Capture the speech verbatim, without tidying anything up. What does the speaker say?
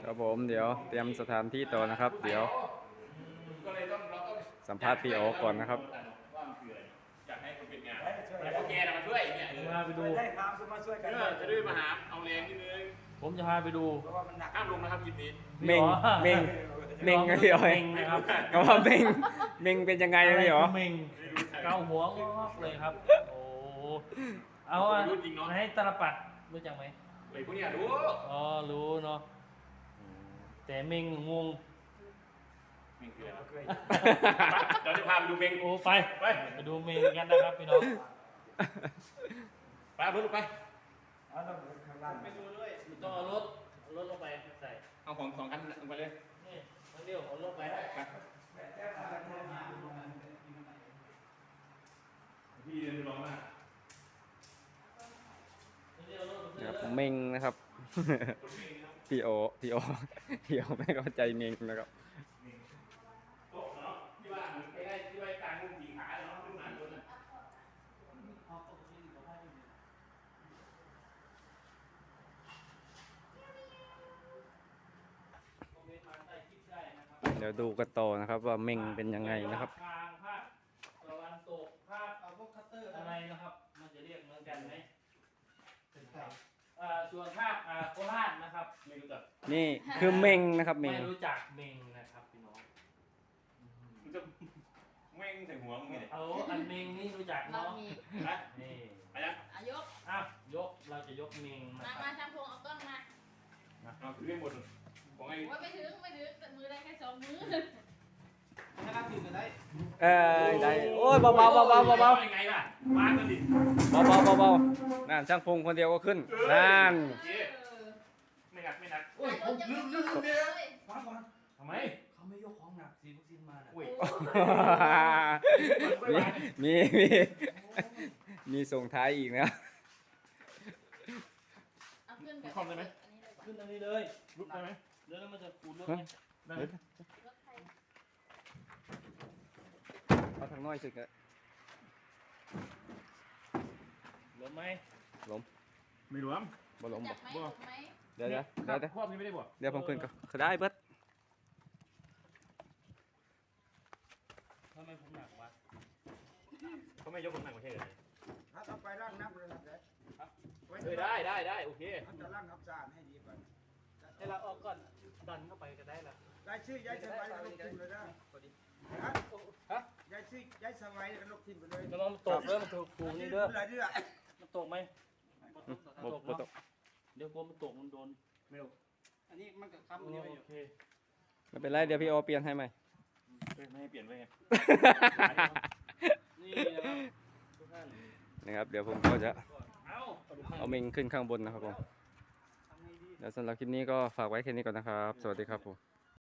ครับผมเดี๋ยวเตรียมสถานที่ต่อนะครับ เดี๋ยวก็เลยต้องเราต้องสัมภาษณ์พี่โอก่อนนะครับว่ามันคืออะไรอยากให้คนเป็นงานแต่พวกแกน่ะมาช่วยเนี่ยเออพาไปดูได้ครับมาช่วยกันเออจะได้มาหาเอาแรงนิดนึงผมจะพาไปดูเพราะว่ามันหนักห้ามลงนะครับคลิปนี้เม่งเม่งเม่งนะพี่อ๋อยเม่งนะครับก็ว่าเม่งเม่งเป็นยังไงนะพี่อ๋อเม่งเกาหัวงอกเลยครับ โอ้เอาอะให้ตาลปัดรู้จักไหมไอ้พวกเนี้ยรู้อ๋อรู้เนาะแต่เม่งงงเม่งคืออะไรวะเดี๋ยวจะพาไปดูเม่งโอ้ไปไปไปดูเม่งกันนะครับพี่น้องไปเอารถลงไปเอาต้องข้างล่างไปดูด้วยต้องเอารถเอารถลงไปใส่เอาของสองคันลงไปเลยนี่ทั้งเดียวเอารถไปพี่เดินร้องมากทั้งเดียวเอารถไปครับเลยเม่งนะครับ พี่โอพี่โอพี่โอไม่เข้าใจเม่งนะครับโต๊ะเนาะที่ว่าใกล้ๆที่ว่ากลางมุมสี่ขาเนาะขึ้นมาบนน่ะเดี๋ยวดูกันต่อนะครับ ว่าเม่งเป็นยังไงนะครับทางภาคตะวันตกภาคเอาพวกคัตเตอร์อะไรนะครับ มันจะเรียกเหมือนกันไหมอ่าส่วนภาคอ่าโคราชนะครับไม่รู้จักนี่คือเม่งนะครับเม่ไม่งรู้จักเมงนะครับพี่น้องมันจะแม่งใส่หัวมึงไงเนี่ยเอาอันเมงนี่รู้จักเราเนาะมีนะนี่ไปยังอายกอ่ะยกเราจะยกเมงนะมาคมารับช่างพงเอากล้องมาเอาคือเรื่องหมดของไอ้ว่าไม่ถึงไม่ถึงแต่มือได้แค่สองมือถ้ารับถึงกันได้เออได้โอ้ยเบาๆเบาๆเบาๆเบายังไงล่ะวางกันดิๆเบาๆเบาๆนั่นช่างพงคนเดียวก็ขึ้นนั่นโอเคไม่หนักไม่หนักโอ้ยผมลืมลืมลืมเลยฟังก่อนทำไมเขาไม่ยกของหนักซีวัคซีนมาน่ะอุ้ยมีมีมีมีส่งท้ายอีกนะเอาขึ้นกับคอมได้ไหมอันนี้เลยขึ้นอันนี้เลยลุกได้ไหมเดี๋ยวแล้วมันจะฟูรถไงได้ไหมรถไทยเอาทางน้อยสุดเลยล้มไหมล้มไม่รวมบ่ล้มจับ่บไหมถูกไหมเดี๋ยวเดี๋ยวเดี๋ยวเดี๋ยวครอบนี้ไม่ได้บอกเดี๋ยวผมขึ้นก็ก็ได้เบิดทำไมผมหนักวะเขาไม่ยกคนหนักมาใช่เหรอถ้าต้องไปร่างนับเลยนะเด็ดเออได้ได้ได้โอเคเขาจะร่างนับจานให้ดีก่อนให้เราออกก่อนดันเข้าไปก็ได้ละได้ชื่อยายสบายกับลูกทีมเลยนะฮะฮะยายชื่อยายสบายกับลูกทีมไปเลยระวังมันตกเด้อมันถูกถูกนี่เด้ออะไรเด้อมันตกไหมบ่บ่ต้องเดี๋ยวกลัวมันตกมันโดนไม่รู้อันนี้มันก็โอคำนี้ไปอยู่เคไม่เป็นไรเดี๋ยวพี่โอเปลี่ยนให้ใหม่ไม่ให้เปลี่ยนไว้ไงนี่นะครับทุกท่านนะครับ เดี๋ยวผมก็จะเอาเอาเมงขึ้นข้างบนนะครับผมทำไงดีแล้วสำหรับคลิปนี้ก็ฝากไว้แค่นี้ก่อนนะครับ สวัสดีครับผม